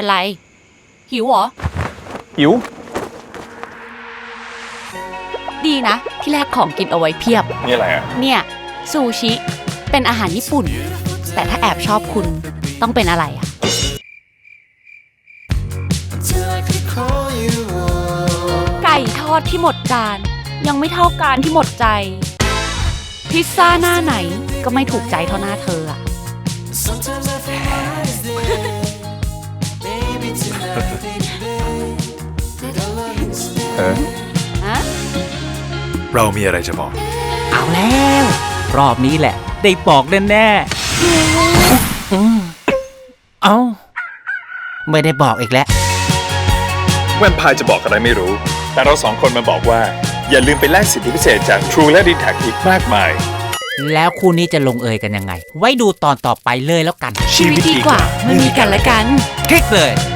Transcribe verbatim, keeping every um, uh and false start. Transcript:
ไรหิวเหรอหิวดีนะที่แรกของกินเอาไว้เพียบนี่อะไรอ่ะเนี่ยซูชิเป็นอาหารญี่ปุ่นแต่ถ้าแอบชอบคุณต้องเป็นอะไรอ่ะไก่ทอดที่หมดจานยังไม่เท่าการที่หมดใจพิซซ่าหน้าไหนก็ไม่ถูกใจเท่าหน้าเธออ่ะเออฮะเรามีอะไรจะบอกเอาแล้วรอบนี้แหละได้บอกแน่ๆเอ้าไม่ได้บอกอีกแล้วแวมไพร์จะบอกอะไรไม่รู้แต่เราสองคนมาบอกว่าอย่าลืมไปแลกสิทธิพิเศษจาก True และ ดี แท็ก อีกมากมายแล้วคู่นี้จะลงเอยกันยังไงไว้ดูตอนต่อไปเลยแล้วกันชีวิตดีกว่าไม่มีกันและกันคลิกเลย